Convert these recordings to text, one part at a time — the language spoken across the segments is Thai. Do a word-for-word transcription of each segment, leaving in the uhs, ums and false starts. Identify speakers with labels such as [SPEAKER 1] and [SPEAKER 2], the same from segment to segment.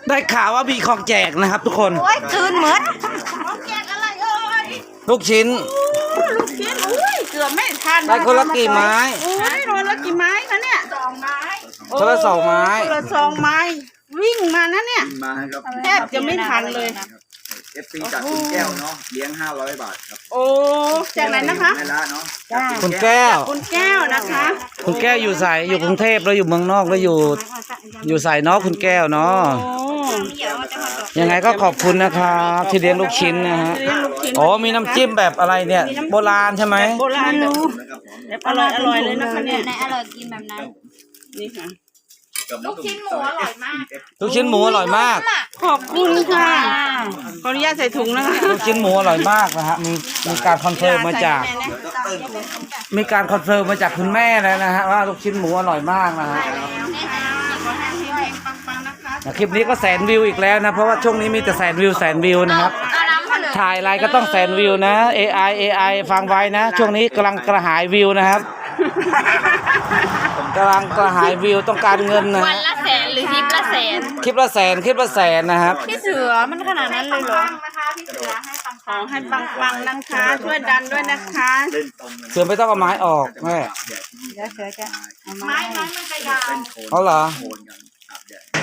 [SPEAKER 1] ได้ข่าวว่ามีของแจกนะครับ ทุกคน
[SPEAKER 2] โอ้ยคืนเหมือน
[SPEAKER 3] ของแจกอะไรเอ่ย
[SPEAKER 1] ลูกชิ้น
[SPEAKER 3] ลูกชิ้นอุ้ยเกือบไม่ทัน
[SPEAKER 1] ได้คนละกี่ไม้
[SPEAKER 3] โอ้ยคนละกี่ไม้คะเนี่ยสองไม้
[SPEAKER 1] คนละสองไม้
[SPEAKER 3] คนละสองไม้วิ่งมานะเนี่ย
[SPEAKER 4] มาครับ
[SPEAKER 3] แทบจะไม่ทันเลย
[SPEAKER 4] เอฟซีจากคุณแก้วเนาะเลี้ยงห้าร้อยบาทครับ
[SPEAKER 3] โอ้จากไหนนะคะ
[SPEAKER 4] ไม่ละเนาะ
[SPEAKER 1] คุณแก้ว
[SPEAKER 3] คุณแก้วนะคะ
[SPEAKER 1] คุณแก้วอยู่ใส่อยู่กรุงเทพแล้วอยู่เมืองนอกแล้วอยู่ อยู่ใส่เนาะคุณแก้วเนาะ
[SPEAKER 3] โอ้
[SPEAKER 1] ยังไงก็ขอบคุณนะครับที่เลี้ยงลูกชิ้นนะฮะ
[SPEAKER 3] เลี้ยงลูกชิ้น
[SPEAKER 1] อ๋อมีน้ำจิ้มแบบอะไรเนี่ยโบราณใช่ไหม
[SPEAKER 3] โบราณรู้แบบอร่อยอร่อยเลยนะคะเนี่ย
[SPEAKER 2] ในอร่อยกินแบบนั้น
[SPEAKER 3] นี่ค่ะ
[SPEAKER 4] ลูกชิ้นหมูอร่อยมาก
[SPEAKER 1] ลูกชิ้นหมูอร่อยมาก
[SPEAKER 3] ขอบคุณค่ะขออนุญาตใส่ถุงนะคะ
[SPEAKER 1] ลูกชิ้นหมูอร่อยมากนะฮะมีมีการคอนเฟิร์มมาจาก มีการคอนเฟิร์มมาจากคุณแม่แล้วนะฮะว่าลูกชิ้นหมูอร่อยมากนะฮะ
[SPEAKER 3] ปังๆนะคะ
[SPEAKER 1] คลิปนี้ก็แสนวิวอีกแล้วนะเพราะว่าช่วงนี้มีแต่แสนวิวแสนวิวนะครับถ่ายอะไรก็ต้องแสนวิวนะ เอ ไอ เอ ไอ ฟังไว้นะ ช่วงนี้กำลังกระหายวิวนะครับกำลังกระหายวิวต้องการเงินนะ
[SPEAKER 2] วันละแสนหรือคลิปละแสน
[SPEAKER 1] คลิปละแสนคลิปละแสนนะครับ
[SPEAKER 2] พี่เสือมันขนาดนั้นเลยเหรอ
[SPEAKER 3] ขอให้ปังๆนะคะช่วยดันด้วยนะคะ
[SPEAKER 4] เล่นตรงกัน
[SPEAKER 1] เสือไม่ต้องเอาไม้ออกแม่
[SPEAKER 2] เดี๋ยวเสือจะเอามา
[SPEAKER 3] ไม้ไม้มันจะยาว
[SPEAKER 4] เล่นโคน
[SPEAKER 1] เอาเหรอ
[SPEAKER 4] โคนกันอาบแดด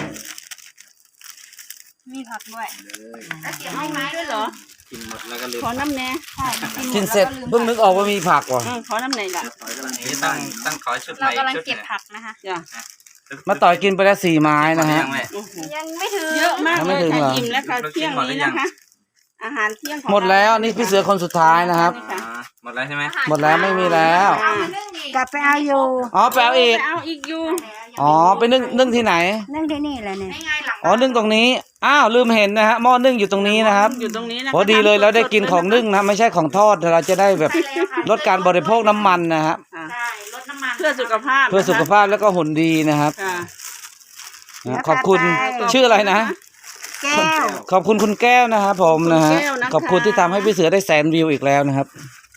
[SPEAKER 2] มีผักด้วย
[SPEAKER 4] เลย
[SPEAKER 3] เอาไม้ด้วยเหรอ
[SPEAKER 4] กินหมดแล้วก็ลืม
[SPEAKER 3] ขอน้ำแน่
[SPEAKER 1] กินเสร็จเพิ่งนึกออกว่ามีผักว่ะ
[SPEAKER 3] อืมขอน้ำแน่ละ
[SPEAKER 4] ถอยกำลัง
[SPEAKER 5] นี่ตั้งตั้งขอชุดให
[SPEAKER 2] เรา
[SPEAKER 5] ม่
[SPEAKER 2] กำลัง
[SPEAKER 5] ชุด
[SPEAKER 2] เก็บผักนะคะ
[SPEAKER 3] จ้ะ
[SPEAKER 1] มาต่อยกินไปแล้วสี่ไม้นะฮะ
[SPEAKER 5] ยังไม่
[SPEAKER 3] โอ้โห
[SPEAKER 2] ยังไม่ถึง
[SPEAKER 3] เยอะมาก
[SPEAKER 1] ยัง
[SPEAKER 3] เล
[SPEAKER 1] ไม่
[SPEAKER 3] ย
[SPEAKER 1] ถึงเหรอ
[SPEAKER 3] ค่ะอิ่มแล้วค่ะเที่ยงนี้นะคะ อาหารเที่ยงของ
[SPEAKER 1] หมดแล้วนี่พี่เสือคนสุดท้ายนะครับ
[SPEAKER 5] อ่าหมดแล้วใช่ไหม
[SPEAKER 1] หมดแล้วไม่มีแล้ว
[SPEAKER 3] อ่าก
[SPEAKER 2] ลับไปเอาอยู่
[SPEAKER 1] อ๋อไปเอาอีก
[SPEAKER 3] ไปเอาอีกอยู่
[SPEAKER 1] อ๋อไปนึ่งนึ่งที่ไหน
[SPEAKER 2] นั่งที่นี่แหละเนี่ย
[SPEAKER 1] อ๋อนึ่งตรงนี้อ้าวลืมเห็นนะฮะหม้อนึ่งอยู่ตรงนี้นะครับ
[SPEAKER 3] อยู่ตรงนี้นะคะ
[SPEAKER 1] พอดีเลยเราได้กินของนึ่งนะไม่ใช่ของทอดเราจะได้แบบลดการบริโภคน้ำมันนะฮะ
[SPEAKER 3] ค่ะเพื่อสุขภาพ
[SPEAKER 1] เพื่อสุขภาพแล้วก็หุ่นดีนะครับ
[SPEAKER 3] ค่ะ
[SPEAKER 1] นะขอบคุณชื่ออะไรนะ
[SPEAKER 2] แก้ว
[SPEAKER 1] ขอบคุณคุณแก้วนะครับผมนะฮะขอบคุณที่ทำให้พี่เสือได้แสนวิวอีกแล้วนะครับ